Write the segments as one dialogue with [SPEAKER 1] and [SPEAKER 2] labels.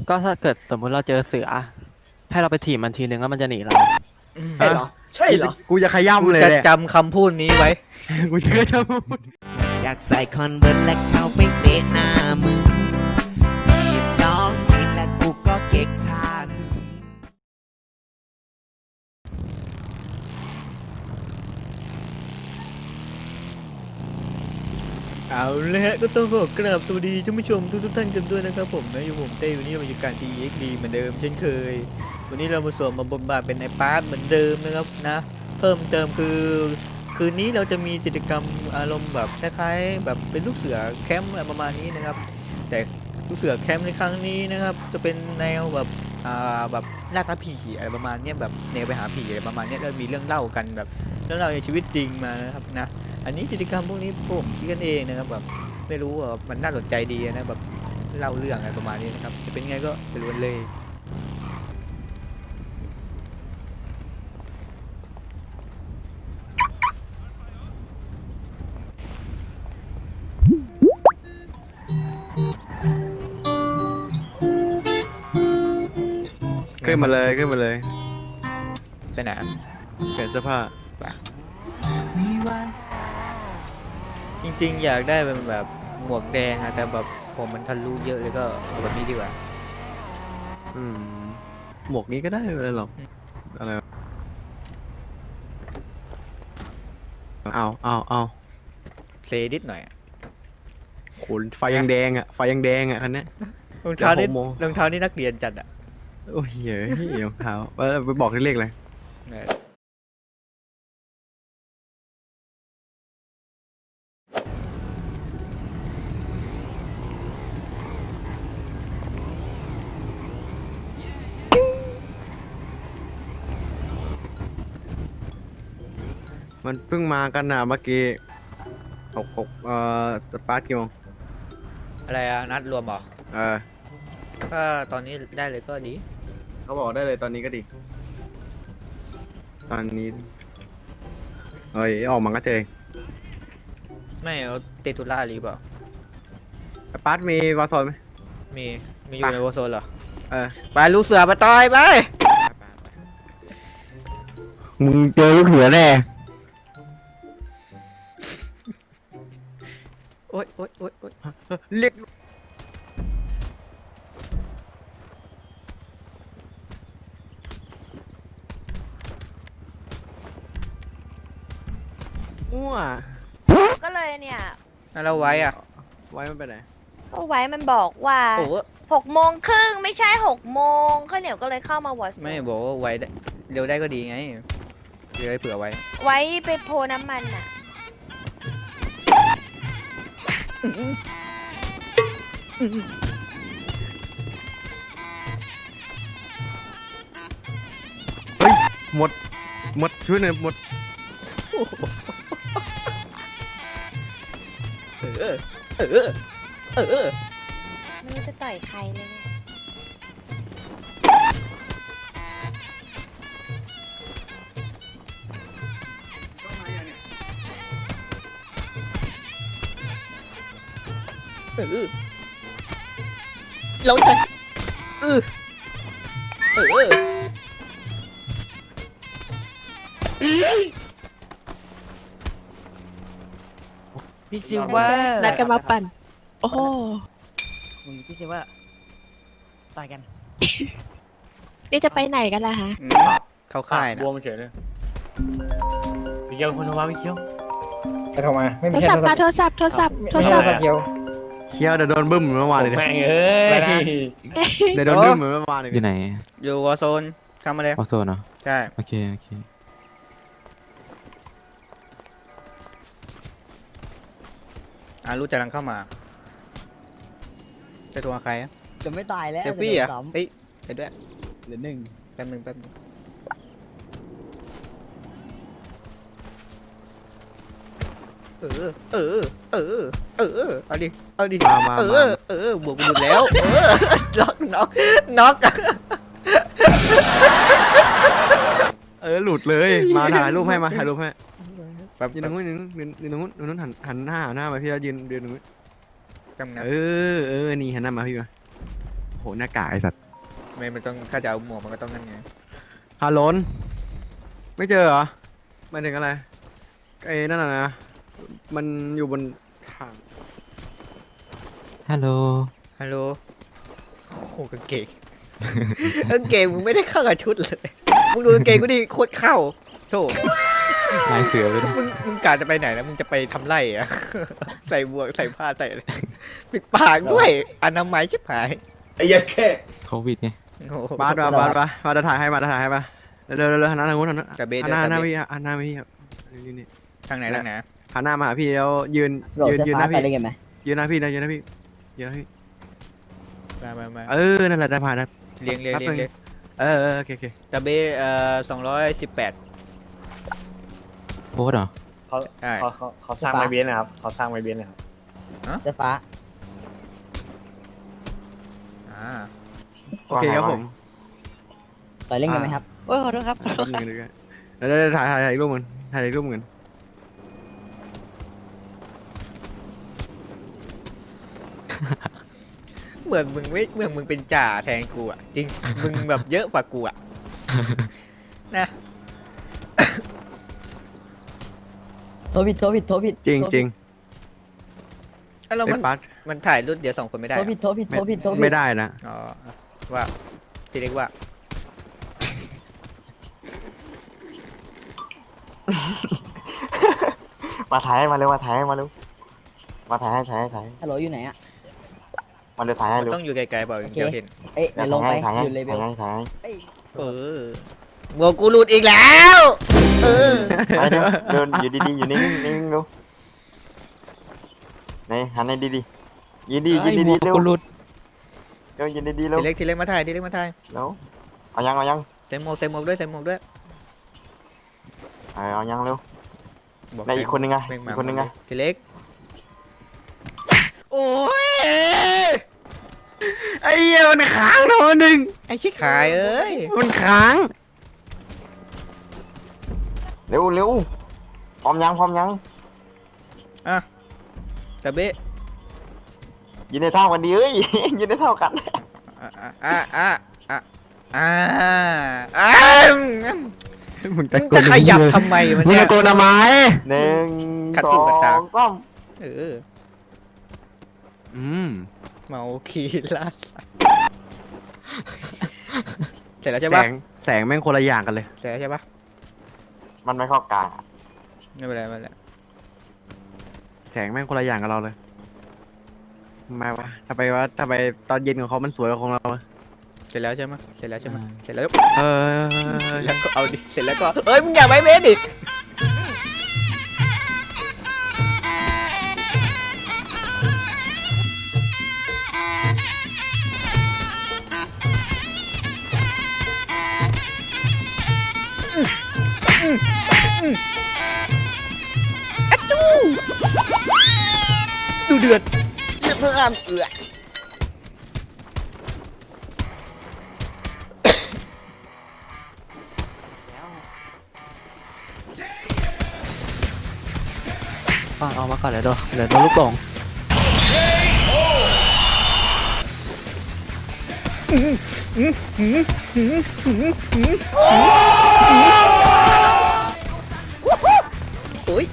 [SPEAKER 1] ก็ถ้าเกิดสมมุติเราเจอเสือให้เราไปถีบมันทีนึงแล้วมันจะหนีเรา
[SPEAKER 2] ใช่เหรอใช่เหรอ
[SPEAKER 3] กูจะข
[SPEAKER 4] กู
[SPEAKER 3] ย้ำเลย
[SPEAKER 4] จะ
[SPEAKER 3] เนี่ย
[SPEAKER 4] จำคำพูดนี้ไว้
[SPEAKER 3] กูจะขย้
[SPEAKER 5] อยากใส่คอนเวิร์ตและเข้าไปเตะหน้ามึง22ปีและกูก็เก๊กทาง
[SPEAKER 4] เอาเลยฮะก็ต้องขอกราบสวัสดีท่านผู้ชมทุกท่านกันด้วยนะครับผมนะอยู่ผมเต้วันนี้เราอยู่การ TXD เหมือนเดิมเช่นเคยวันนี้เรามาสวมมาบทบาทเป็นในพาร์ทเหมือนเดิมนะครับนะเพิ่มเติมคือคืนนี้เราจะมีกิจกรรมอารมณ์แบบคล้ายๆแบบเป็นลูกเสือแคมป์อะไรประมาณนี้นะครับแต่ลูกเสือแคมป์ในครั้งนี้นะครับจะเป็นแนวแบบแบบล่าท้าผีอะไรประมาณเนี้ยแบบแนวไปหาผีอะไรประมาณเนี้ยแล้วมีเรื่องเล่ากันแบบเรื่องเล่าในชีวิตจริงมานะครับนะ อันนี้กิจกรรมพวกนี้ผมคิดกันเองนะครับแบบไม่รู้ว่ามันน่าสนใจดีนะแบบเล่าเรื่องอะไรประมาณนี้นะครับจะเป็นไงก็ไปรู้กันเลย
[SPEAKER 3] ำขึ้นมาเลยขึ้นมาเลย
[SPEAKER 4] ไปไหน
[SPEAKER 3] เปลี่ยนเสื้อผ้า
[SPEAKER 4] จริงๆอยากได้เป็นแบบหมวกแดงอะแต่แบบผมมันทะลุเยอะเลยก็เอาแบบนี้ดีกว่า
[SPEAKER 3] อืมหมวกนี้ก็ได้ไม่เป็นไรหรอกอะไรวะเอา
[SPEAKER 4] เพลย์นิดหน่อยอะ
[SPEAKER 3] โหไฟยังแดงอ่ะไฟยังแดงอ่ะคันเนี้ย
[SPEAKER 4] รองเท้านี่
[SPEAKER 3] เดี๋ยว6 โมง
[SPEAKER 4] รองเท้านี่นักเรียนจัดอะ
[SPEAKER 3] โอ้ยเฮ้ยรองเท้าไปบอกเลขเลย มันเพิ่งมากันนะเมื่อกี้6 สตาร์ทกี่โมง
[SPEAKER 4] อะไรอะนัดรวมเหรอ
[SPEAKER 3] เออ
[SPEAKER 4] ถ้าตอนนี้ได้เลยก็ดี
[SPEAKER 3] เขาบอกได้เลยตอนนี้ก็ดี ตอนนี้เอ้ยออกมาก็เจอ
[SPEAKER 4] ไม่เอาเตตุล่าหรือเปล่า
[SPEAKER 3] สปาร์ตมีวาโซนไหม
[SPEAKER 4] มีอยู่ในโวโซนเหรอ
[SPEAKER 3] เออ
[SPEAKER 4] ไปลูกเสือมาต่อยไป
[SPEAKER 3] มึงเจอลูกเหนือแน่
[SPEAKER 4] โอ๊ยโอ๊ยโอ๊ยโอ๊ย
[SPEAKER 3] เรียกมั่ว
[SPEAKER 6] ก็เลยเนี่ย
[SPEAKER 4] แล้วไว้อะ
[SPEAKER 3] ไว้มันไปไหน
[SPEAKER 6] ก็ไว้มันบอกว่า
[SPEAKER 4] โอ้โห
[SPEAKER 6] 6 โมงครึ่งไม่ใช่6 โมงข้าวเหนียวก็เลยเข้ามาวอร์ซ
[SPEAKER 4] ไม่บอกว่าไว้ได้เร็วได้ก็ดีไงเดี๋ยวได้เผื่อไว้
[SPEAKER 6] ไว้ไปโพน้ำมันอ่ะ
[SPEAKER 3] เฮ้ยหมดช่วยหน่อยหมด
[SPEAKER 4] เออเออเออ
[SPEAKER 6] ไม่รู้จะต่อยใครเลยเนี่ย
[SPEAKER 4] เออเราจะเออเออ
[SPEAKER 1] พี่ซิว่า
[SPEAKER 7] นัดกันมาปั่น โอ้โห
[SPEAKER 1] พี่ซิว่าตายกัน
[SPEAKER 7] นี่จะไปไหนกันล่ะฮะ
[SPEAKER 4] เข้าค่ายนะ
[SPEAKER 2] บวมเฉยเลยพี่เกียวคนโทรมาพี่เกียว
[SPEAKER 8] ไปโทรมาไม่
[SPEAKER 7] โท
[SPEAKER 8] มี
[SPEAKER 7] ร
[SPEAKER 8] ใช่
[SPEAKER 7] ศัพท์ค่ะโทรศัพท์ โทรศัพท์ โทร
[SPEAKER 8] ไม่
[SPEAKER 7] ศั
[SPEAKER 8] ใช่
[SPEAKER 7] พท์
[SPEAKER 8] โทรศัพท์เดียว
[SPEAKER 3] เคี้ยวเดี๋ยวโดนบึ้มเหมือนเมื่อวานเลยดิ
[SPEAKER 2] แม่งเอ้ย
[SPEAKER 8] อะไรนะ
[SPEAKER 3] เดี๋ยวโดนบึ้มเหมือนเมื่อวานเลย
[SPEAKER 9] อยู่ไหน
[SPEAKER 4] อยู่วอร์โซนทำมาเลย
[SPEAKER 9] ออโซนเหรอ
[SPEAKER 4] ใช่
[SPEAKER 9] โอเค โอเค
[SPEAKER 4] รู้จะลังเข้ามาจะตัวใครอะ
[SPEAKER 1] จะไม่ตายแล้ว
[SPEAKER 4] เซลฟี่อะเฮ้ยไปด้วย
[SPEAKER 1] เหลือ1
[SPEAKER 4] แป๊บนึงแป๊บนึงเออเออเออเออเอาดิเอาดิ
[SPEAKER 3] มา
[SPEAKER 4] บวกหมดแล้วน็อก
[SPEAKER 3] หลุดเลยมาถ่ายรูปให้มาถ่ายรูปให้
[SPEAKER 4] แป๊บ
[SPEAKER 3] ยืนตรงนู้นยืนตรงนู้นหันหน้ามาพี่แล้วยืนตรงนู้น
[SPEAKER 4] กำนับ
[SPEAKER 3] นี่หันหน้ามาพี่มาหหน้ากากไอ้สัตว์
[SPEAKER 4] ไม่มันต้องถ้าจะเอาหมวกมันก็ต้องนั่นไง
[SPEAKER 3] ฮัลโหลไม่เจอเหรอหมายถึงอะไรไอ้นั่นน่ะนะมันอยู่บนทาง
[SPEAKER 1] ฮัลโหล
[SPEAKER 4] ฮัลโหลโอ้โหกางเกง กางเกงมึงไม่ได้เข้ากับชุดเลยมึงดูกางเกงกูดิโคตรเข้าโธ่
[SPEAKER 1] ลายเสือไปด้วย
[SPEAKER 4] มึงกะจะไปไหนนะมึงจะไปทำไรอะ ใส่บวกใส่ผ้าใส่อะไรปิดปากด้วยอนามัยชิบหาย
[SPEAKER 1] โควิดไง
[SPEAKER 4] โอ้โห
[SPEAKER 3] บาสมาจะถ่ายให้มาจะถ่ายให้มาเร็วหันหน้าทางนู้นหันหน้า
[SPEAKER 4] กับเบส
[SPEAKER 3] หันหน้า
[SPEAKER 4] กับเบส
[SPEAKER 3] พี่หันหน้าพี่ครับนี่
[SPEAKER 4] ทางไหนทางไหน
[SPEAKER 3] หันหน้ามาหาพี่แล้วยืน
[SPEAKER 8] โหลด
[SPEAKER 3] ยืน
[SPEAKER 8] เสื้อ
[SPEAKER 3] ยืนห
[SPEAKER 8] ฟ้า
[SPEAKER 3] น้า
[SPEAKER 8] ไป
[SPEAKER 3] พี่
[SPEAKER 8] ได้กันไหม
[SPEAKER 3] ยืนหน้าพี่นะยืนหน้าพี่ยืนหน้าพี่
[SPEAKER 4] มา
[SPEAKER 3] นั่นแหละได้ผ่านนะ
[SPEAKER 4] เลี้ยง
[SPEAKER 3] แป๊บนึง โอเค
[SPEAKER 4] กับเบส218
[SPEAKER 1] โพสต์เหรอ
[SPEAKER 2] เขา
[SPEAKER 4] ใช่
[SPEAKER 2] เขาสร้างไม้เบสนะครับเขาสร้างไม้เบสนะครับ
[SPEAKER 8] เสื้อฟ้า
[SPEAKER 4] อ่า
[SPEAKER 3] โอเคครับผม
[SPEAKER 8] ต่อยเล่นกันไหมครับ
[SPEAKER 6] โอ้ยขอโทษครับ
[SPEAKER 3] แป๊บนึงด้วยแล้วถ่ายอีกรูปมึงถ่ายอีกรูปมึง
[SPEAKER 4] เหมือนมึงเป็นจ่าแทนกูอ่ะจริงมึงแบบเยอะกว่ากูอ่ะนะ
[SPEAKER 8] โทษผิด
[SPEAKER 3] จริงจริง
[SPEAKER 4] แล้ว
[SPEAKER 3] ไอ้ปัด
[SPEAKER 4] มันถ่ายรูปเดี๋ยว2 คนไม่ได้
[SPEAKER 8] โท
[SPEAKER 4] เหร
[SPEAKER 8] ษ
[SPEAKER 4] อ
[SPEAKER 8] ผิดโทษผิด
[SPEAKER 3] ไม่ได้นะ
[SPEAKER 4] อ๋อว่าทีเล็กว่า
[SPEAKER 9] มาถ่ายให้มาเร็วมาถ่ายให้มาเร็วมาถ่ายให้ถ่ายให้ถ่ายให้
[SPEAKER 8] ฮัลโหลอยู่ไหนอ่ะ
[SPEAKER 9] มาเร็วถ่ายให้
[SPEAKER 4] มัน
[SPEAKER 9] เร็ว
[SPEAKER 4] ต้องอยู่ไกลๆเปล่าถึงจะเห็น
[SPEAKER 8] เอ้ยเดี๋ยวลงไป
[SPEAKER 9] ถ่ายให้
[SPEAKER 8] อยู่เลเวล
[SPEAKER 9] ถ่ายให้ถ่ายให้
[SPEAKER 4] เออหมวกกูหลุดอีกแล้วเออ
[SPEAKER 9] ไปเร็วเดินอยู่ดีๆอยู่นิ่งๆนิ่งๆเร็วไหนหันให้ดีๆยืนดียืนดีๆเร็ว
[SPEAKER 1] กูหลุด
[SPEAKER 9] เร็วยืนดีๆเร็ว
[SPEAKER 4] ทีเล็กมาถ่าย
[SPEAKER 9] เร็วเอายัง
[SPEAKER 4] ใส่หมวกด้วย
[SPEAKER 9] เอายังเร็ว
[SPEAKER 4] บอก
[SPEAKER 9] ไหนอีกคนนึงไง
[SPEAKER 4] แม่
[SPEAKER 9] อีกคนนึงไง
[SPEAKER 4] ทีเล็กโอ้ย
[SPEAKER 3] ไอ้เหี้ยมันค้างนะวันหนึ่ง
[SPEAKER 4] ไอ้ชิคายเอ้ย
[SPEAKER 3] มันค้าง
[SPEAKER 9] เร็วเร็วพร้อมยัง
[SPEAKER 4] อ่ะกระเบะ
[SPEAKER 9] ยืนในเท่ากันดีเอ้ย ยืนในเท่ากัน
[SPEAKER 3] มึง
[SPEAKER 4] มึงจะขยับทำไมมัน
[SPEAKER 3] มึง
[SPEAKER 4] เนี่ย
[SPEAKER 3] ตะโกนทำไม
[SPEAKER 9] 1
[SPEAKER 4] ขัดหูขัดตา
[SPEAKER 9] 2 3
[SPEAKER 4] เออ
[SPEAKER 3] อืม
[SPEAKER 4] เมาคีลาสัตว์เสร็จแล้ว
[SPEAKER 3] แส
[SPEAKER 4] ใช่ปะ
[SPEAKER 3] งแสงแม่งคนละอย่างกันเลย
[SPEAKER 4] เสร็จแล้วใช่ปะ
[SPEAKER 9] มันไม่เข้ากลาง
[SPEAKER 4] ไม่เป็นไร
[SPEAKER 3] แสงแม่งคนละอย่างกับเราเลยทำไมวะทำไมตอนเย็นของเขามันสวยกว่าของเราอะ
[SPEAKER 4] เสร็จแล้วใช่ไหมเสร็จแล้ว
[SPEAKER 3] เออ
[SPEAKER 4] แล้วก็เอาดิเสร็จแล้วก็เอ้ยมึงอย่าไปเบสดิดูเดือดเพื่ออ้ามเอือ
[SPEAKER 1] เอามาก่อนเดี๋ยวโดนลูกหลง
[SPEAKER 4] โอ้ย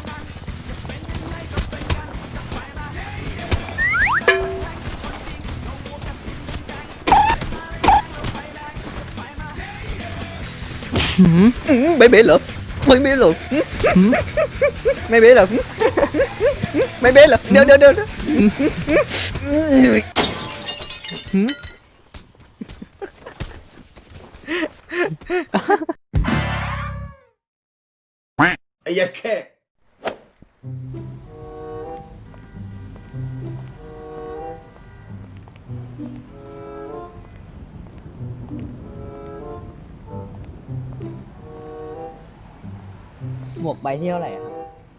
[SPEAKER 4] ไม่เบสเหรอไม่เบสเหรอไม่เบสเหรอไม่เบสเหรอเดี๋ยวเหนื่อย
[SPEAKER 8] หมวกใบที่เท่าไหร่อะครับ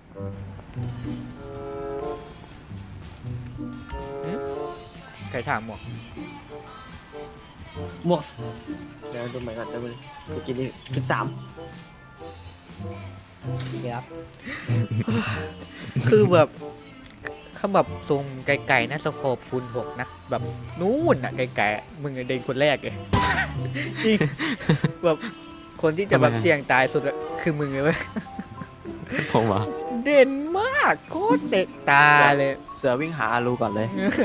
[SPEAKER 4] ใครถามหมวก
[SPEAKER 2] หมวกเดี๋ยวดูใหม่ก่อนเดี๋ยวเมื่อกี้นี่13
[SPEAKER 8] โอเคครับ
[SPEAKER 4] คือแบบเขาแบบซูมไกลๆนะสโคปคูณ6นะแบบนู่นอ่ะไกลๆมึงเด็กคนแรกเลย จริงแบบคนที่จะแบบเสี่ยงตายสุดอะคือมึงเลยเว้ย
[SPEAKER 1] ผมเหรอ
[SPEAKER 4] เด่นมากโคตรเด็กตาเลย
[SPEAKER 1] เสือวิ่งหาอารูก่อนเลย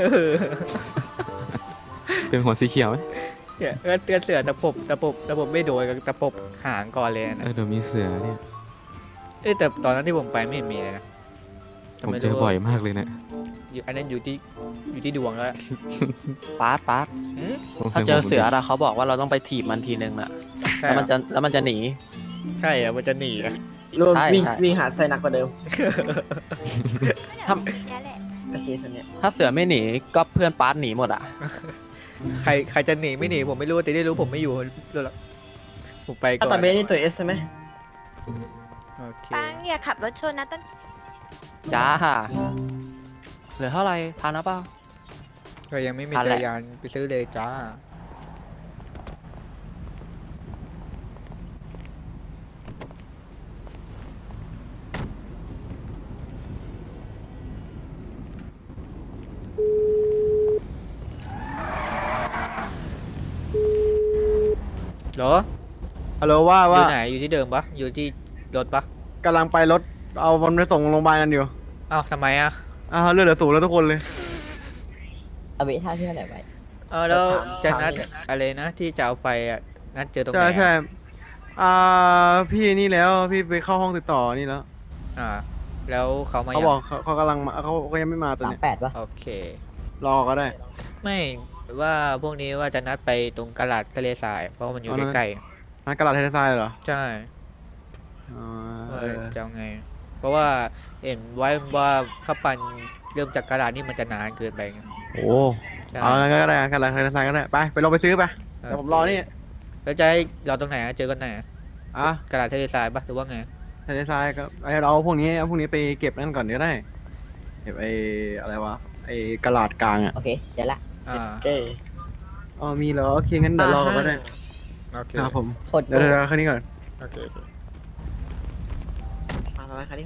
[SPEAKER 10] เป็นหัวสีเขียวไหม
[SPEAKER 4] เนี่ยเตือนเสือตะปบไม่โดนกับตะปบหางก่อนเลยนะ
[SPEAKER 10] เดี๋ยวมีเสือเนี่ย
[SPEAKER 4] แต่ตอนนั้นที่ผมไปไม่เห็นมีเลยนะ
[SPEAKER 10] ผมเจอบ่อยมากเลยเนี่ย
[SPEAKER 4] อยู่อันนั้นอยู่ที่ดวงแล้ว
[SPEAKER 1] ปาร์ต
[SPEAKER 4] หืม
[SPEAKER 1] ถ้าเจอเสืออะเขาบอกว่าเราต้องไปถีบมันทีนึงน่ะ
[SPEAKER 4] ใช่
[SPEAKER 1] แล้ว
[SPEAKER 4] เหร
[SPEAKER 1] มัน
[SPEAKER 4] อ
[SPEAKER 1] จะหนี
[SPEAKER 4] ใช่เหรอมันจะหนีอะ
[SPEAKER 2] รวม
[SPEAKER 1] ใช่
[SPEAKER 2] วิ่ง
[SPEAKER 1] ใช่
[SPEAKER 2] วิ่งหาไซนักกว่าเดิม
[SPEAKER 6] ทำนี่แหละ
[SPEAKER 2] โอเคตอนเนี้ย
[SPEAKER 1] ถ้าเสือไม่หนีก็เพื่อนปาร์ตหนีหมดอ่ะ
[SPEAKER 4] ใครจะหนีไม่หนีผมไม่รู้แต่ได้รู้ผมไม่อยู่รู้แล้วผมไปก่
[SPEAKER 2] ถ้า
[SPEAKER 4] อ
[SPEAKER 2] ตาน เบสนี่ตัวเอสใช่ไหม
[SPEAKER 4] โอเค
[SPEAKER 6] ปังอย่าขับรถชนนะต้น
[SPEAKER 1] จ้าเหลือเท่าไหร่ทานนะเปล่า
[SPEAKER 4] ก็ยังไม่มี
[SPEAKER 1] ทัน
[SPEAKER 4] จั
[SPEAKER 1] แห
[SPEAKER 4] ก
[SPEAKER 1] ละ
[SPEAKER 4] รยานไปซื้อเลยจ้าเหรอ
[SPEAKER 3] ฮัลโหลว่า
[SPEAKER 4] อยู่
[SPEAKER 3] ว่า
[SPEAKER 4] ไหนอยู่ที่เดิมปะอยู่ที่รถปะ
[SPEAKER 3] กำลังไปรถเอามันไปส่งโรงพยาบาลกันอยู่
[SPEAKER 4] อ้าวทำไมอ่ะ
[SPEAKER 3] เลือดเหลือศูนย์แล้วทุกคนเลย
[SPEAKER 8] เอาเบท่าที่เท่าไหร่ไป
[SPEAKER 4] แล้วจะนัดอะไรนะที่จะเอาไฟอ่ะนัดเจอตรงไหน
[SPEAKER 3] ใช่
[SPEAKER 4] อะ
[SPEAKER 3] ใช่พี่นี่แล้วพี่ไปเข้าห้องติดต่อนี่แล้ว
[SPEAKER 4] อ่าแล้วเขามา
[SPEAKER 3] เขา
[SPEAKER 4] ยัง
[SPEAKER 3] บอกเขากำลังมาเขาก็ยังไม่มาตอน
[SPEAKER 8] สาม
[SPEAKER 3] เนี้ย
[SPEAKER 8] แปดป่ะ
[SPEAKER 4] โอเค
[SPEAKER 3] รอก็ได้
[SPEAKER 4] ไม่ว่าพวกนี้ว่าจะนัดไปตรงกลาดทะเลทราย เพราะว่ามันอยู่
[SPEAKER 3] อ๋อนั่น
[SPEAKER 4] ใกล้
[SPEAKER 3] นัดกระดาษเทเลทรายเหรอ
[SPEAKER 4] ๆใช่
[SPEAKER 3] อ๋อ
[SPEAKER 4] จะเอาไง เพราะว่าเห็นไว้ว่าข้าปันเริ่มจากกระดาษนี่มันจะนานเกินไปไง
[SPEAKER 3] โอ้เอางั้นก็ได้กระดาษเทเลทรายก็ได้ไปลองไปซื้อไปเดี๋ยวผมรอนี่
[SPEAKER 4] แล้วจะให้เราตรงไหนอะเจอกันไหนอะ
[SPEAKER 3] อ่ะ
[SPEAKER 4] กระดาษทะเลทรายปะหรือว่าไง
[SPEAKER 3] เทเลทรายก็เอาพวกนี้ไปเก็บนั่นก่อนก็ได้เก็บอะไรวะกระดาษกลางอ่ะ
[SPEAKER 8] โอเคเจอละ
[SPEAKER 4] อ่า
[SPEAKER 2] โอเค
[SPEAKER 3] อ๋อมีเหรอโอเคงั้นเดี๋ยวรอก็ได้
[SPEAKER 4] โอเค
[SPEAKER 3] ครับผม
[SPEAKER 8] โคตร
[SPEAKER 3] เดี๋ยวแค่นี้ก่อน
[SPEAKER 4] โอเค
[SPEAKER 2] มาคันนี้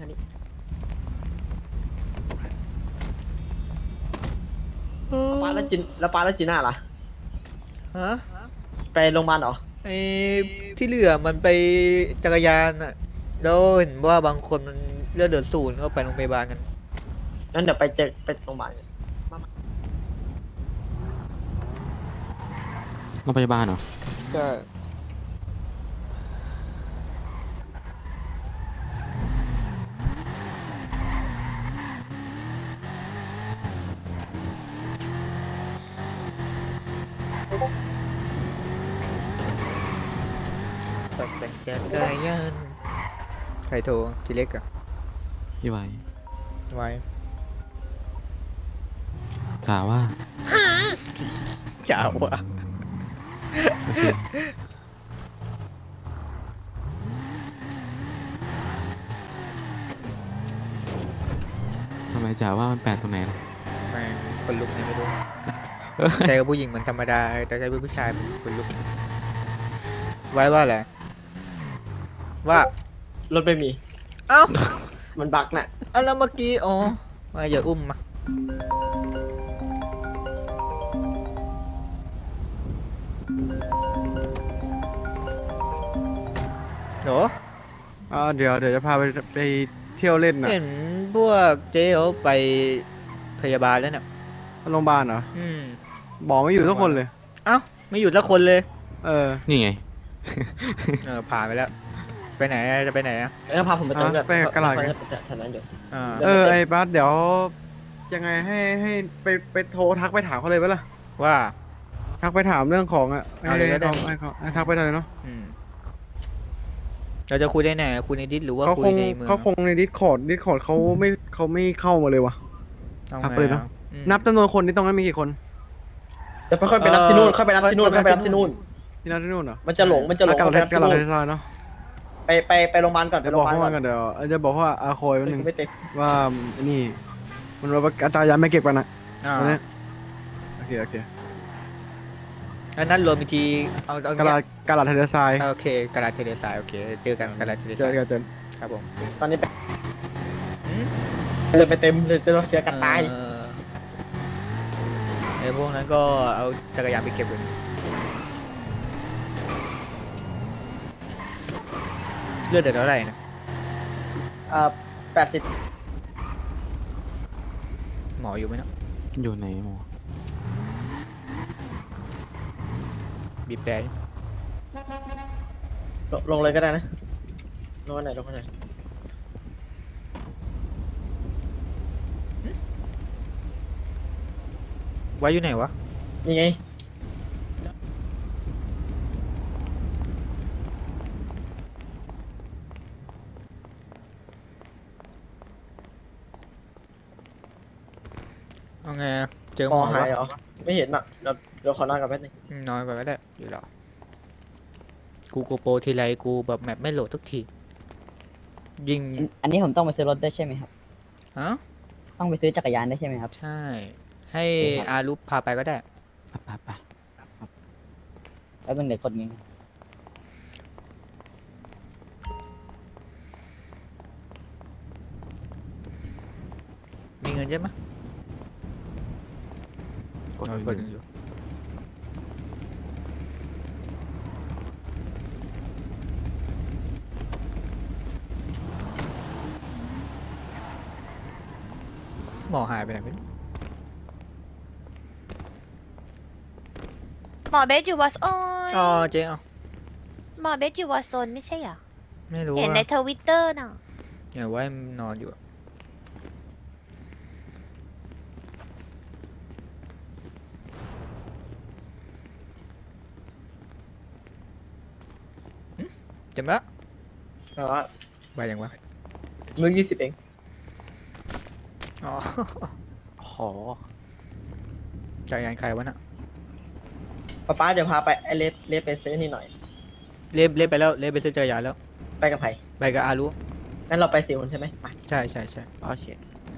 [SPEAKER 2] ปาแล้วจิน่าล่ะ
[SPEAKER 4] ฮะ
[SPEAKER 2] ไปโรงพยาบาลเหรอ
[SPEAKER 4] ไอ้ที่เหลือมันไปจักรยานอะแล้วเห็นว่าบางคนมันเลือดเดือดศูนย์ก็ไปโรงพยาบาลกัน
[SPEAKER 2] งั้นเดี๋ยวไปโรงพยาบาลกัน
[SPEAKER 10] โรงพยาบาลเหรอ
[SPEAKER 4] ก็ตกแต่งจักรยานใครโทรทีเล็กอะ
[SPEAKER 10] พี่ไว้
[SPEAKER 4] ไว้
[SPEAKER 10] ถามว่า
[SPEAKER 4] จ้าวะ
[SPEAKER 10] โอเคทำไมจ๋าว่ามันแปลกตรงไหนล่ะ
[SPEAKER 4] แม่งคนลุกเนี่ยไม่รู้ใจกับผู้หญิงมันธรรมดาแต่ใจเป็นผู้ชายมันคนลุกไว้ว่าอะไรว่า
[SPEAKER 2] รถไม่มี
[SPEAKER 4] เอ้า
[SPEAKER 2] มันบั๊กน่ะ
[SPEAKER 4] แล้วเมื่อกี้อ๋อมาอย่าอุ้มมาโห
[SPEAKER 3] เดี๋ยวจะพาไปเที่ยวเล่นน่ะ
[SPEAKER 4] เห็นพวกเจ๊เขาไปพยาบาลแล้วเนี่ย
[SPEAKER 3] โรงพยาบาลเหรอ
[SPEAKER 4] อืม
[SPEAKER 3] บอกไม่อยู่ทุกคนเลย
[SPEAKER 4] เอ้าไม่หยุดละคนเลย
[SPEAKER 10] นี่ไง
[SPEAKER 4] ผ่านไปแล้ว ไปไหนอะจะไปไหนอะ
[SPEAKER 2] แล้วพาผมไปตรงแบบ
[SPEAKER 3] ไปกระดาษ
[SPEAKER 2] แถวนั้นอยู่
[SPEAKER 4] อ่า
[SPEAKER 3] ไอ้บัสเดี๋ยวยังไงให้ไปโทรทักไปถามเขาเลยไหมล่ะ
[SPEAKER 4] ว่า
[SPEAKER 3] ทักไปถามเรื่องของ
[SPEAKER 4] เอาเลยก็ได้
[SPEAKER 3] ให้ทักไปเลยเนาะ
[SPEAKER 4] อืมเราจะคุยได้ไหนคุยในดิสหรือว่า
[SPEAKER 3] เขา
[SPEAKER 4] คุ
[SPEAKER 3] ค
[SPEAKER 4] ย
[SPEAKER 3] ง
[SPEAKER 4] ในเมือง
[SPEAKER 3] เขาคงในดิสคอร์ดเขาไม่เข้ามาเลยวะ
[SPEAKER 4] เอา
[SPEAKER 3] ทัก
[SPEAKER 4] ไง
[SPEAKER 3] ไปเลยเนอะ
[SPEAKER 4] อะอืม
[SPEAKER 3] นับจำนวนคนที่ตรงนั้นมีกี่คน
[SPEAKER 2] จะค่อยไปนับที่นู่นค่อยไปนับที่นู่นค่อยไปนับที่นู่น
[SPEAKER 3] ที่นับที่นู่นเหรอ
[SPEAKER 2] มันจะหลง
[SPEAKER 3] กระดาษ
[SPEAKER 2] ค่อยไปนับ
[SPEAKER 3] ก
[SPEAKER 2] ที่
[SPEAKER 3] ระดาษ
[SPEAKER 2] นู่น
[SPEAKER 3] เทเลทรายเนาะ
[SPEAKER 2] ไปโรงพยาบาลก่อนไป
[SPEAKER 3] จะ
[SPEAKER 2] โร
[SPEAKER 3] บ
[SPEAKER 2] ง
[SPEAKER 3] อ
[SPEAKER 2] พ
[SPEAKER 3] ก
[SPEAKER 2] ยาบาล
[SPEAKER 3] เขา
[SPEAKER 2] ก่อน
[SPEAKER 3] กันเดี๋ยวจะบอกว่าอาโคยวันหนึ่ง
[SPEAKER 2] ไม่เต็ม
[SPEAKER 3] ว่านี่ มันว่าอาจารย์ยังไม่เก็บกันนะ
[SPEAKER 4] อ่า
[SPEAKER 3] วันนี้โอเค
[SPEAKER 4] อันนั้นรวมอีกทีเอา
[SPEAKER 3] กระดาษเทเลทราย
[SPEAKER 4] โอเคกระดาษเทเลสายโอเคเจอกันกระดาษเทเล
[SPEAKER 3] เจ
[SPEAKER 4] สา
[SPEAKER 3] อย กัน
[SPEAKER 4] ครับผม
[SPEAKER 2] ตอนนี้ไป
[SPEAKER 4] อืม
[SPEAKER 3] ไ
[SPEAKER 2] เลยไปเต็มเลยจะเสียกันตาย
[SPEAKER 4] ไอ้พวกนั้นก็เอาจักรยานไปเก็บเลยเลือดเดือดเท่าไหร่นะ
[SPEAKER 2] 80
[SPEAKER 4] หมออยู่ไหมเนาะ
[SPEAKER 10] อยู่ไหนหมอ
[SPEAKER 4] บีบแปรดิ
[SPEAKER 2] ลงเลยก็ได้นะลงไหนลงไหน
[SPEAKER 4] ไว้อยู่ไหนวะ
[SPEAKER 2] นี่ไง
[SPEAKER 4] เอาไงอะเจอ
[SPEAKER 2] ค
[SPEAKER 4] หม
[SPEAKER 2] อ
[SPEAKER 4] อ
[SPEAKER 2] หาย
[SPEAKER 4] วะ
[SPEAKER 2] เหรอไม่เห็นอ่ะเดี๋ยวขอนอนกับแป๊บนึง
[SPEAKER 4] นอนก่อนก็ได้อยู่หรอกูโกโปรทีไรกูแบบแมปไม่โหลดทุกทียิง
[SPEAKER 8] อันนี้ผมต้องไปซื้อรถได้วยใช่ไหมครับ
[SPEAKER 4] ฮะ
[SPEAKER 8] ต้องไปซื้อจักรยานได้วยใช่ไหมครับ
[SPEAKER 4] ใช่ ให้อารุปพาไปก็ได้
[SPEAKER 10] ไป
[SPEAKER 8] แล้วมันเด็กคนนี้
[SPEAKER 4] มีเงินใช่ไหม
[SPEAKER 10] กด
[SPEAKER 4] เอา
[SPEAKER 10] เล
[SPEAKER 4] กด
[SPEAKER 10] ย
[SPEAKER 4] อยู่หมอหายไปไหนไม่รู้
[SPEAKER 6] หมอเบสอยู่วอสโอ้ย
[SPEAKER 4] อ๋อเจ๊เอา
[SPEAKER 6] หมอเบสอยู่วอสโซนไม่ใช่เหรอ
[SPEAKER 4] ไม่รู้
[SPEAKER 6] เห็น
[SPEAKER 4] อะ
[SPEAKER 6] ในทวิตเตอร์น่ะ
[SPEAKER 4] อย่าไว้มันนอนอยู่อะจำละ
[SPEAKER 2] แต่ว่า
[SPEAKER 4] ไปยังวะ
[SPEAKER 2] มือ20เอง
[SPEAKER 4] อ๋อ
[SPEAKER 1] ขอ
[SPEAKER 4] จักรยานใครวะน่ะ
[SPEAKER 2] ป้าเดี๋ยวพาไปไอเลฟไปซื้อนี่หน่อย
[SPEAKER 4] เล่นไปแล้วเล่นไปซื้อจักรยานแล้ว
[SPEAKER 2] ไปกับไผ่
[SPEAKER 4] ไปกับอารุ
[SPEAKER 2] งั้นเราไป4 คนใช่ไหมไป
[SPEAKER 4] ใช่ใช่ใช่
[SPEAKER 1] โอเค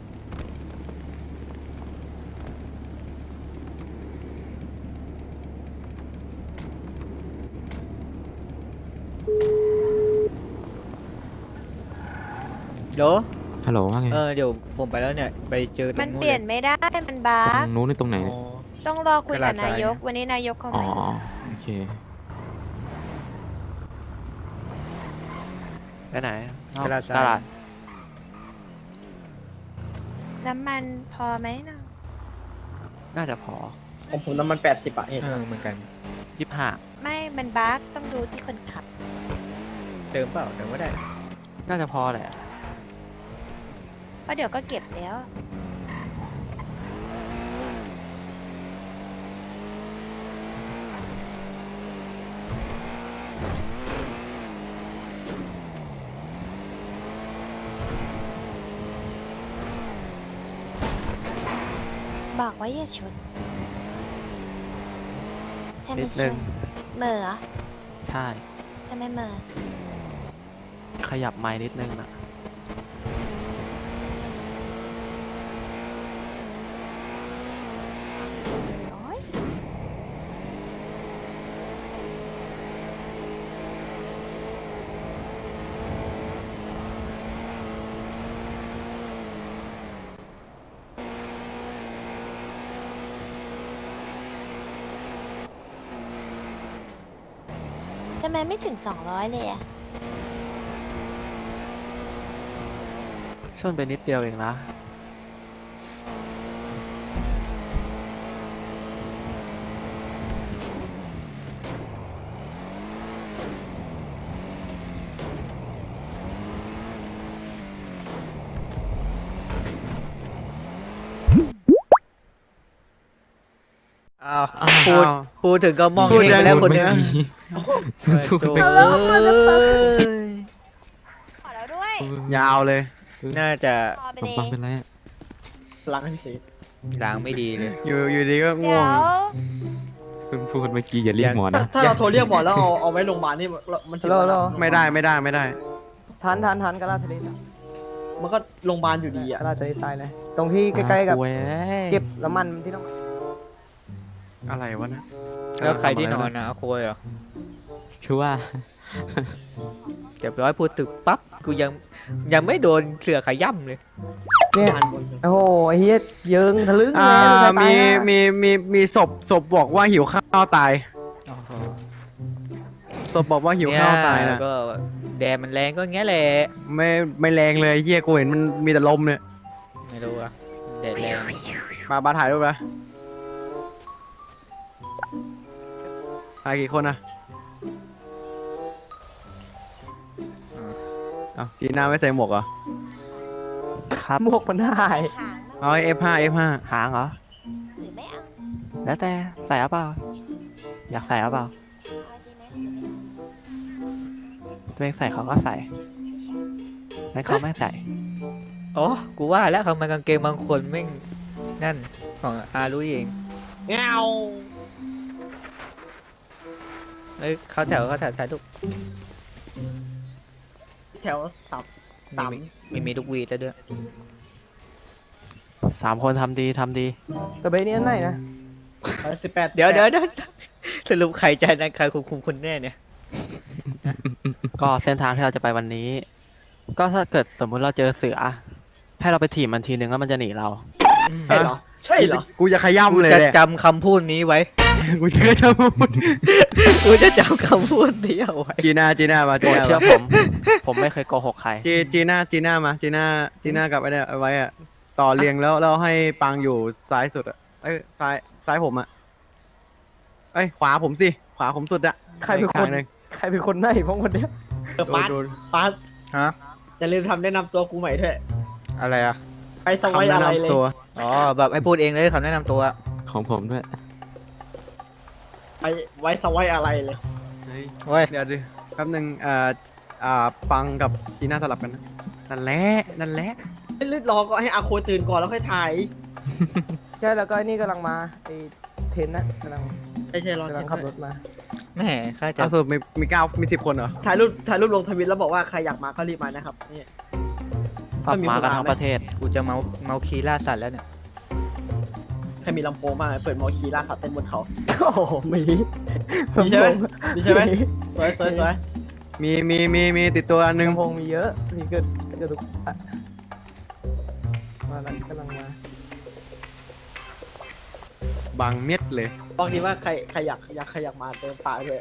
[SPEAKER 4] เดี๋ยว
[SPEAKER 10] ฮัลโหลว่าไง
[SPEAKER 4] เดี๋ยวผมไปแล้วเนี่ย ไปเจอตร
[SPEAKER 6] มัน
[SPEAKER 4] งนู้น
[SPEAKER 6] เปลี่ยน
[SPEAKER 4] เลย
[SPEAKER 6] ไม่ได้มันบั
[SPEAKER 10] ตร
[SPEAKER 6] ๊ก
[SPEAKER 10] งนู้นนี่ตรงไหน
[SPEAKER 2] อ๋อ
[SPEAKER 6] ต้องรอคุยกับ
[SPEAKER 4] ตลาดสาย
[SPEAKER 6] นายก
[SPEAKER 4] นะ
[SPEAKER 6] วันนี้นายกเข้า
[SPEAKER 10] อ๋อ
[SPEAKER 6] มา
[SPEAKER 10] โอเค
[SPEAKER 1] ไปไหน
[SPEAKER 4] ตลาดทราย
[SPEAKER 1] ตลาด
[SPEAKER 6] น้ำมันพอไหมนะ
[SPEAKER 1] น่าจะพอ
[SPEAKER 2] ของผมน้ำมัน80บาทเห็น
[SPEAKER 4] เหมือนกัน
[SPEAKER 1] 25
[SPEAKER 6] ไม่มันบั๊กต้องดูที่คนขับ
[SPEAKER 4] เติมเปล่าเติมก็ได้
[SPEAKER 1] น่าจะพอแหละ
[SPEAKER 6] เพราะเดี๋ยวก็เก็บแล้ว บอกว่าอย่าชนถ้า
[SPEAKER 1] นิ
[SPEAKER 6] ไม่
[SPEAKER 1] ด
[SPEAKER 6] ช
[SPEAKER 1] นึง
[SPEAKER 6] นเหม่อเหรอ
[SPEAKER 1] ใช่
[SPEAKER 6] ถ้าไม่เหม่อ
[SPEAKER 1] ขยับไม้นิดนึงนะ
[SPEAKER 6] โอ๊ยทำไมไม่ถึง200เลยอะ
[SPEAKER 1] ชนไปนิดเดียวเองนะ
[SPEAKER 4] อ้าว
[SPEAKER 10] อ้าว
[SPEAKER 4] พูดถึงก็มอง
[SPEAKER 3] พูด
[SPEAKER 4] เห็น
[SPEAKER 3] ยัง
[SPEAKER 4] ไปแล้วคนหนึง
[SPEAKER 10] พูด
[SPEAKER 4] โถ่
[SPEAKER 10] ไป
[SPEAKER 6] แล้วก็มาแล้ว
[SPEAKER 4] เอ้ย
[SPEAKER 6] ขอแล้วด้วย
[SPEAKER 3] ยาวเลย
[SPEAKER 4] น่าจะ
[SPEAKER 6] พอไป
[SPEAKER 10] ขน
[SPEAKER 6] เล
[SPEAKER 10] มปัง
[SPEAKER 6] ย
[SPEAKER 10] เป็นไรอะ
[SPEAKER 2] ล้างให้สิ
[SPEAKER 4] ล้างไม่ดีเลย
[SPEAKER 3] อยู่ดีก็
[SPEAKER 6] เดี๋
[SPEAKER 3] ง่
[SPEAKER 6] ยว ว
[SPEAKER 3] ง
[SPEAKER 10] เพิ่งพูดเมื่อกี้อย่าเรียกหมอนะ
[SPEAKER 2] ถ้าเราโทรเรียกหมอแล้วเอาไว้โรงพยาบาลนี่มันถือว่า
[SPEAKER 3] ไม่ได้ไม่ได้ไม่ได้
[SPEAKER 11] ทันกระลาทะเลทราย
[SPEAKER 2] มันก็โรงพยาบาลอยู่ดี
[SPEAKER 11] ก
[SPEAKER 2] อ่ะ
[SPEAKER 11] ระลาทะเลทรายเลย ตรงที่ใกล้ๆกับ
[SPEAKER 1] เว้ย
[SPEAKER 11] เก็บน้ำมันที่ต้อง
[SPEAKER 3] อะไรวะนะ
[SPEAKER 4] แล้วใครที่นอนนะอาโคยเหรอ
[SPEAKER 10] คือว่า
[SPEAKER 4] เดี๋ยวร้อยพูดถึงปั๊บกูยังไม่โดนเสือขย่ำเลย
[SPEAKER 11] เนี่ยโอ้โหไอ้เฮียเยิงทะลึ่ง
[SPEAKER 3] อ่า
[SPEAKER 11] เลย
[SPEAKER 3] มีศพบอกว่าหิวข้าวตาย
[SPEAKER 4] อ๋อ
[SPEAKER 3] ศพบอกว่าหิวข้าวตายนะ
[SPEAKER 4] ก็แดดมันแรงก็งี้แหละ
[SPEAKER 3] ไม่แรงเลยเฮียกูเห็นมันมีแต่ลมเนี่ย
[SPEAKER 4] ไม่รู้อะแดดแรง
[SPEAKER 3] มาถ่ายรูปนะถ่ายกี่คนนะเอาจีน่าไม่ใส่หมวกเหรอ
[SPEAKER 1] ครับ
[SPEAKER 11] หมวกมันหาย
[SPEAKER 6] หาง
[SPEAKER 3] เอาF5 F5
[SPEAKER 1] หางเหรอ
[SPEAKER 6] หรือไม่เอา
[SPEAKER 1] แล้วแต่ใส่หรือเปล่า อยากใส่หรือเปล่า
[SPEAKER 6] เอาจริงไหมหรือไม่เอา
[SPEAKER 1] ตัวเองใส่เขาก็ใส่แล้วเขาไม่ใส่
[SPEAKER 4] อ๋อกูว่าแล้วทำไมกางเกงบางคนไม่งนั่นของอารู้เอง
[SPEAKER 2] เงา
[SPEAKER 4] เอ้ยเขาแถวถ่ายรูป
[SPEAKER 2] แถวสับ
[SPEAKER 4] มีลูกวีดแล้วด้วย
[SPEAKER 1] 3 คนทำดีทำดี
[SPEAKER 11] แต่ใบนี้อันไหนนะ
[SPEAKER 2] 18
[SPEAKER 4] เดี๋ยวสรุปใครใจนั้นใครคุมคนแน่เนี่ย
[SPEAKER 1] ก็เส้นทางที่เราจะไปวันนี้ ก็ถ้าเกิดสมมุติเราเจอเสือ ให้เราไปถีบมันทีนึงแล้วมันจะหนีเรา
[SPEAKER 2] ใช่เหรอใช่เหรอ
[SPEAKER 3] กูจะขย้ำ
[SPEAKER 4] กู
[SPEAKER 3] เลย
[SPEAKER 4] จะ
[SPEAKER 3] เนี่ย
[SPEAKER 4] จำคำพูดนี้ไว้
[SPEAKER 3] กูจะขย้ำ
[SPEAKER 4] กูจะจำคำพูดนี้เอาไว้
[SPEAKER 3] จีน่ามา
[SPEAKER 1] โปรดเชื่อผม ผมไม่เคยโกหกใคร
[SPEAKER 3] จีน่ามาจีน่ากับไอ้เนี่ยเอาไว้อะต่อเรียงแล้วเราให้ปังอยู่ซ้ายสุดอะเอ้ยซ้ายผมอะเอ้ยขวาผมสิขวาผมสุดอะ
[SPEAKER 11] ใครเป็นคน
[SPEAKER 3] อีกข้างหนึ่ง
[SPEAKER 11] ใครเป็นคนไหนพวกคนเนี้ย
[SPEAKER 2] ปาร์ต
[SPEAKER 3] โดน
[SPEAKER 2] ปาร์ต
[SPEAKER 4] ฮะ
[SPEAKER 2] อย่าลืมทำแนะนำตัวกูใหม่ด้วย
[SPEAKER 4] อะไรอ่ะ
[SPEAKER 2] ไปสวัย
[SPEAKER 3] คำแนะ
[SPEAKER 2] อะไรเลย
[SPEAKER 3] นำตัว
[SPEAKER 4] อ๋อแบบให้พูดเองเลยคำแนะนำตัว
[SPEAKER 10] ของผมด้วย
[SPEAKER 2] ไปไว้สวัยอะไรเลย
[SPEAKER 3] เฮ้ย
[SPEAKER 4] เว้ย
[SPEAKER 3] เดี๋ยวดิแป๊บนึงปังกับจีน่าสลับกันนะนั่นแหละ
[SPEAKER 2] รีบรอก็ให้อาโคตื่นก่อนแล้วค่อยถ่าย
[SPEAKER 11] ใช่แล้วก็ไอ้นี่กำลังมาไอ้เทนนะกำลัง
[SPEAKER 2] ไม่ใช่รอก
[SPEAKER 11] ำลังขับรถมา
[SPEAKER 4] แม่ข้าจะ
[SPEAKER 3] เอาสรุปมี9มี10 คนเหรอ
[SPEAKER 2] ถ่ายรูปลงทวิตแล้วบอกว่าใครอยากมาก็รีบมานะครับนี่
[SPEAKER 1] ปรับมากันทั้งประเทศ
[SPEAKER 4] กูจะเมาคีล่าสัตว์แล้วเนี่ย
[SPEAKER 2] ใครมีลำโพงมากเปิดมอคีล่าสัตว์เต้นบนเขา
[SPEAKER 11] โอ้โหมี
[SPEAKER 2] มีใช่ไหมมีใช่ไหมสวย
[SPEAKER 3] มีติดตัวอันหนึง
[SPEAKER 11] ลำโพงมีเยอะมีเกิดทุกอ่ะมาแล้วกำลังมา
[SPEAKER 3] บางเม็ดเลย
[SPEAKER 2] บอกดีว่าใครอยากมาเดินป่าเลย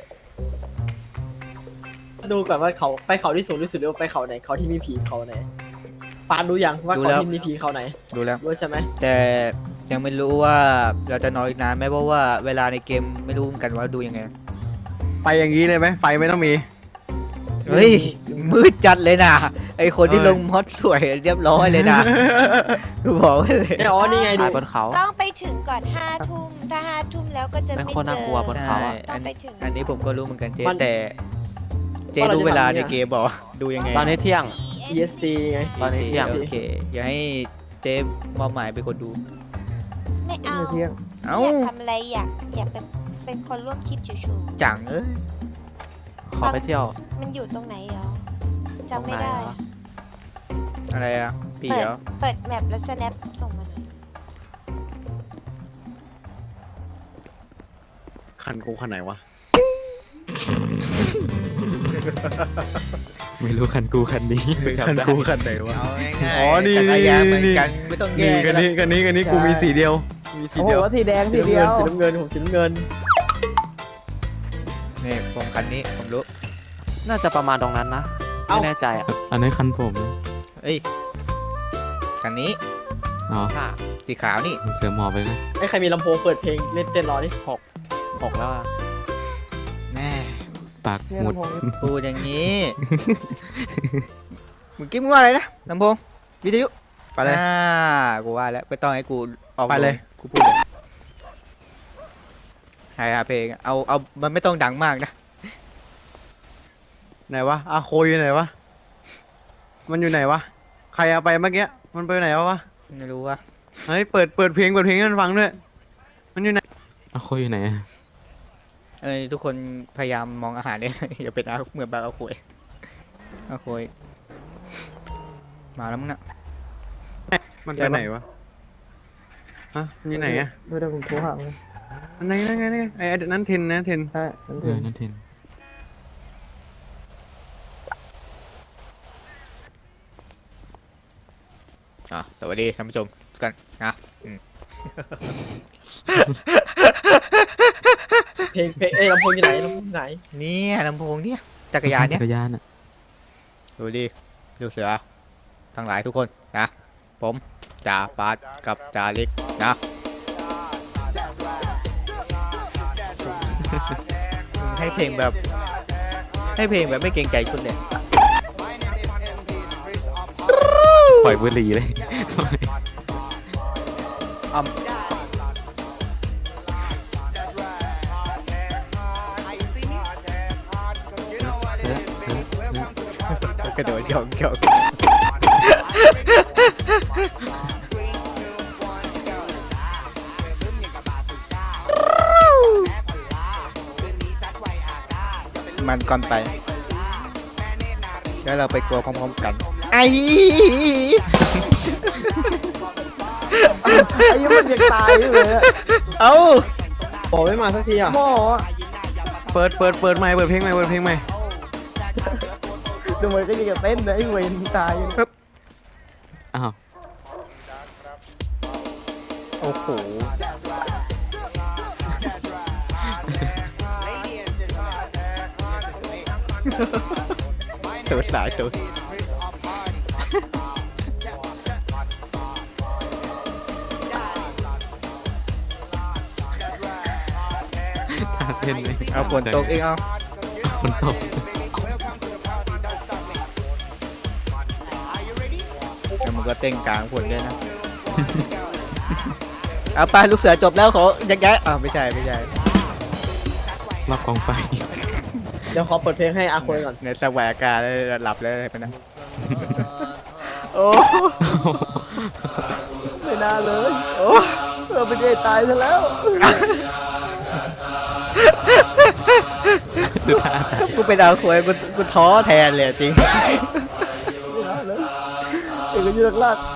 [SPEAKER 2] ดูก่อนว่าเขาไปเขาที่สูงที่สุดหรือว่าไปเขาไหนเขาที่มีผีเขาไหนปานรู้ยังว่าเขาที่มีผีเขาไหน
[SPEAKER 4] ดูแล้ว
[SPEAKER 2] รู้ใช่ไหม
[SPEAKER 4] แต่ยังไม่รู้ว่าเราจะนอนอีกนานไหมเพราะว่าเวลาในเกมไม่รู้เหมือนกันว่าดูยังไง
[SPEAKER 3] ไปอย่างนี้เลยไหมไฟไม่ต้องมี
[SPEAKER 4] เฮ้ยมืดจัดเลยนะไอคนที่ลงมอดสวยเรียบร้อยเลยนะกูบอกไว้เลย
[SPEAKER 2] อ๋อนี่ไงดู
[SPEAKER 1] ถ่ายบนเขา
[SPEAKER 6] ต้องไปถึงก่อน5 ทุ่มถ้า5 ทุ่มแล้วก็จะ
[SPEAKER 1] เป็น
[SPEAKER 6] ไม่
[SPEAKER 1] คน
[SPEAKER 6] เจ
[SPEAKER 1] น่า
[SPEAKER 6] อก
[SPEAKER 1] ลัวบนเขาอะ
[SPEAKER 6] ต้องไปถึง
[SPEAKER 4] อันนี้ผมก็รู้เหมือนกันเจ๊
[SPEAKER 2] มัน
[SPEAKER 4] แต่เจ๊รู้เวลาในเกมบอกดูยังไง
[SPEAKER 1] ตอนนี้เที่ยง
[SPEAKER 2] ESC ไง
[SPEAKER 1] ตอนนี้เที่ยง
[SPEAKER 4] โอเคอย่าให้เจ๊มอบหมายเป็นคนดู
[SPEAKER 6] ไม่เอา
[SPEAKER 11] เที่ยง
[SPEAKER 4] เอ้า
[SPEAKER 6] อยากทำอะไรอยากเป็นคนร่วมคิดชู
[SPEAKER 4] จังเอ้ย
[SPEAKER 1] ขอไปเที่ยว
[SPEAKER 6] ๆมันอยู่ตรงไหนเหรอ
[SPEAKER 1] ตรง
[SPEAKER 6] จำไม่
[SPEAKER 1] ไหน
[SPEAKER 6] ได้
[SPEAKER 1] เหรอ
[SPEAKER 4] อะไรอ่ะปีเหรอ
[SPEAKER 6] เปิดแมปแล้ว snap ส่งมาหน่อย
[SPEAKER 3] คันกูคันไหนวะ
[SPEAKER 10] ไม่รู้คันกูคันนี้
[SPEAKER 3] คันกูคันไหนวะ
[SPEAKER 4] เอาง่ายๆ
[SPEAKER 3] อ๋อนี่
[SPEAKER 4] จักรยานเหมือน
[SPEAKER 3] นี่
[SPEAKER 4] กันไม่ต้องแย
[SPEAKER 3] นี่
[SPEAKER 4] ก
[SPEAKER 3] กันนี้กูมีสีเดียวมีสี
[SPEAKER 11] โอ้โห
[SPEAKER 3] เดียว
[SPEAKER 11] สีแดงสี
[SPEAKER 2] สี
[SPEAKER 11] เดียว
[SPEAKER 2] น้ำเงินผมสีน้ำเงิน
[SPEAKER 4] นี่ผมคันนี้ผมรู้
[SPEAKER 1] น่าจะประมาณตรงนั้นนะ ไม่แน่ใจอ่ะ
[SPEAKER 10] อันนี้คันผมนะ
[SPEAKER 4] เอ้ยคันนี้
[SPEAKER 10] อ๋อ
[SPEAKER 1] ค่ะ
[SPEAKER 4] สีขาวนี่
[SPEAKER 10] เสือหมอบไปเลย
[SPEAKER 2] ไอ้ใครมีลำโพงเปิดเพลงเล่นเต้นรอดิ
[SPEAKER 1] 6 แล้วอะ
[SPEAKER 4] แม่
[SPEAKER 10] ปาก
[SPEAKER 11] เนี่ย
[SPEAKER 10] หมุด
[SPEAKER 11] ลำโพงนี่
[SPEAKER 4] พูดอย่างนี้ เมื่อกี้มึงว่าอะไรนะลำโพงวิทยุ
[SPEAKER 3] ไปเลย
[SPEAKER 4] กูว่าแล้วไม่ต้องให้กูออก
[SPEAKER 3] ไปเลย
[SPEAKER 4] กูพูดเลยใช่เพลงอะเอามันไม่ต้องดังมากนะ
[SPEAKER 3] ไหนวะอาโคอยู่ไหนวะมันอยู่ไหนวะใครเอาไปเมื่อกี้มันไปไหนวะ
[SPEAKER 4] ไม่รู้ว่า
[SPEAKER 3] เฮ้ยเปิดเพลงให้มันฟังด้วยมันอยู่ไหน
[SPEAKER 10] เอาโคอยู่ไหนอะ
[SPEAKER 4] ทุกคนพยายามมองอาหารเนี่ย อย่าเป็นเหมือนแบบเอาคุยมาแล้วมึงน่ะ
[SPEAKER 3] มันไปไหนวะฮะมันอยู่ไหนอะ
[SPEAKER 11] เดี๋ยวผมโทรหามัน
[SPEAKER 3] อันไหนนั่นไงไอ้นั้นเทนนะเทน
[SPEAKER 11] ใช่นั่น
[SPEAKER 10] เอ
[SPEAKER 11] เอ
[SPEAKER 10] อง นั่นเทน
[SPEAKER 3] ม
[SPEAKER 4] สวัสดีท่านผู้ชมทุกกันนะ
[SPEAKER 2] เพลงลำโพงอยู่ไหนลำโพงไหน
[SPEAKER 4] เนี่ยลำโพงเนี่ยจักรยานเนี่ย
[SPEAKER 10] จักรยานอ่ะ
[SPEAKER 4] ดูดิดูเสือทั้งหลายทุกคนนะ ผมจ่าปาดกับจ่าเล็กนะให้เพลงแบบไม่เกรงใจคุณเลย
[SPEAKER 10] ปล่อยบุหรี่เลย
[SPEAKER 4] กระโดดหยอกหยอกมันก่อนไป แล้วเราไปกลัวพร้อมๆกัน ไอ้
[SPEAKER 11] ไอ้ยังมันยังตายอยู่เลยอะ
[SPEAKER 4] เอ้า
[SPEAKER 2] โอ้ไม่มาสักทีอ่ะ
[SPEAKER 11] หมอ
[SPEAKER 3] เปิดใหม่เปิดเพลงใหม่
[SPEAKER 11] ดูมันก็ยังจะเต้นนะไอ้เวรตายอยู่
[SPEAKER 10] อ้าว
[SPEAKER 4] โอ้โห ตัวสายตัว
[SPEAKER 10] ท่าเต้นเลย
[SPEAKER 4] เอาฝนตกเองเอา
[SPEAKER 10] ฝนตก
[SPEAKER 4] แล้วมันก็เต้นกลางฝนด้วยนะ เอาไปลูกเสือจบแล้วขอยักย้ายอ้าวไม่ใช่
[SPEAKER 10] รอบกองไฟ
[SPEAKER 2] เดี๋ยวขอเปิดเพลงให้อาคุยก่อน
[SPEAKER 4] ในสวายอากาศแล้วหลับแล้วอะไรไปนะ โอ้
[SPEAKER 11] ไม่น่าเลย
[SPEAKER 4] โอ้
[SPEAKER 11] เป็นไงตายซะแล้ว
[SPEAKER 10] ดูท่า
[SPEAKER 4] กูเป็นดาวควยกูท้อแทนเลยจริง
[SPEAKER 11] ไม่น่าเลยเอกยืนลาก